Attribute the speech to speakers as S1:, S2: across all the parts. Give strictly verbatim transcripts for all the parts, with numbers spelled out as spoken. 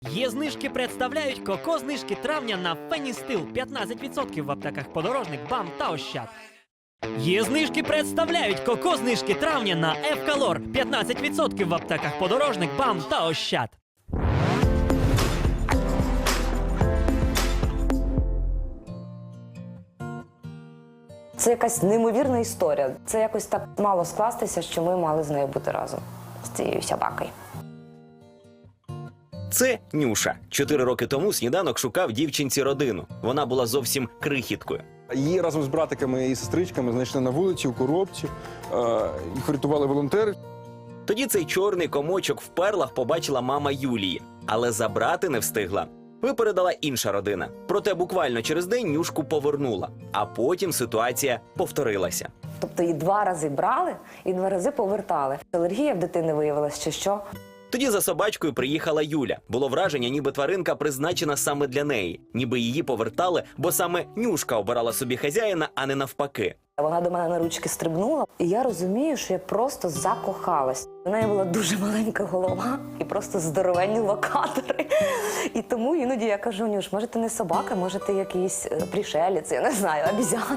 S1: Є знижки представляють коко-знижки травня на Феністил п'ятнадцять відсотків в аптеках Подорожник, БАМ та Ощад. Є знижки представляють коко-знижки травня на Евкалор п'ятнадцять відсотків в аптеках Подорожник, БАМ та Ощад.
S2: Це якась неймовірна історія. Це якось так мало скластися, що ми мали з нею бути разом, з цією собакою.
S3: Це Нюша. Чотири роки тому Сніданок шукав дівчинці родину. Вона була зовсім крихіткою.
S4: Її разом з братиками і сестричками знайшли на вулиці, у коробці. Їх рятували волонтери.
S3: Тоді цей чорний комочок в перлах побачила мама Юлії. Але забрати не встигла. Випередила інша родина. Проте буквально через день Нюшку повернула. А потім ситуація повторилася.
S2: Тобто її два рази брали і два рази повертали. Алергія в дитини виявилася, чи що?
S3: Тоді за собачкою приїхала Юля. Було враження, ніби тваринка призначена саме для неї. Ніби її повертали, бо саме Нюшка обирала собі хазяїна, а не навпаки.
S2: Вона до мене на ручки стрибнула, і я розумію, що я просто закохалась. У неї була дуже маленька голова і просто здоровенні локатори. І тому іноді я кажу: Нюш, може ти не собака, може ти якийсь пришелець, я не знаю, обізяна.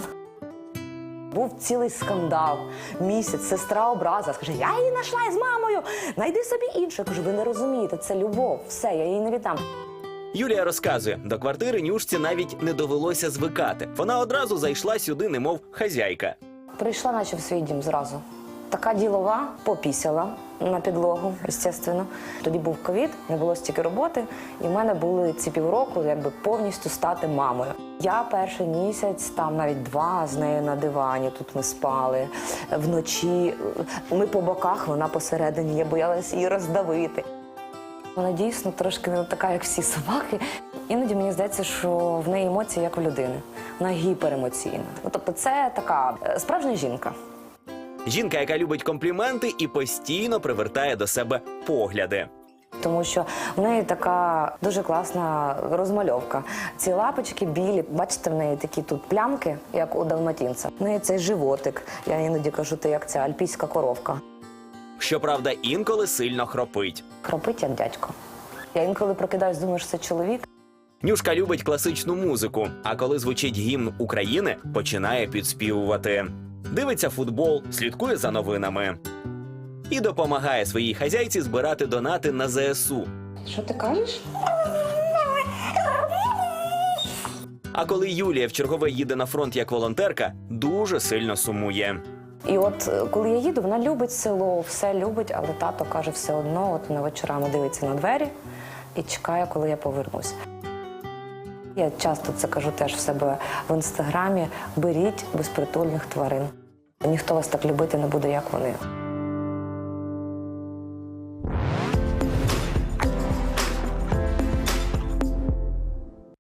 S2: Був цілий скандал. Місяць, сестра образа. Скаже: я її знайшла із мамою, найди собі іншу. Я кажу: ви не розумієте, це любов, все, я її не віддам.
S3: Юлія розказує, до квартири Нюшці навіть не довелося звикати. Вона одразу зайшла сюди, немов хазяйка.
S2: Прийшла наче в свій дім зразу. Така ділова, попісяла на підлогу, звісно. Тоді був ковід, не було стільки роботи, і в мене були ці півроку, якби повністю стати мамою. Я перший місяць, там навіть два з нею на дивані, тут ми спали. Вночі ми по боках, вона посередині, я боялася її роздавити. Вона дійсно трошки не така, як всі собаки. Іноді мені здається, що в неї емоції, як у людини. Вона гіперемоційна. Ну, тобто це така справжня жінка.
S3: Жінка, яка любить компліменти і постійно привертає до себе погляди.
S2: Тому що в неї така дуже класна розмальовка. Ці лапочки білі, бачите, в неї такі тут плямки, як у далматинця. В неї цей животик, я іноді кажу, ти як ця альпійська коровка.
S3: Щоправда, інколи сильно хропить.
S2: Хропить, як дядько. Я інколи прокидаюсь, думаю, що це чоловік.
S3: Нюшка любить класичну музику, а коли звучить гімн України, починає підспівувати. Дивиться футбол, слідкує за новинами. І допомагає своїй хазяйці збирати донати на зе ес у.
S2: Що ти кажеш?
S3: А коли Юлія вчергове їде на фронт як волонтерка, дуже сильно сумує.
S2: І от коли я їду, вона любить село, все любить, але тато каже все одно, от вона вечорами дивиться на двері і чекає, коли я повернусь. Я часто це кажу теж в себе в інстаграмі: беріть безпритульних тварин. Ніхто вас так любити не буде, як вони.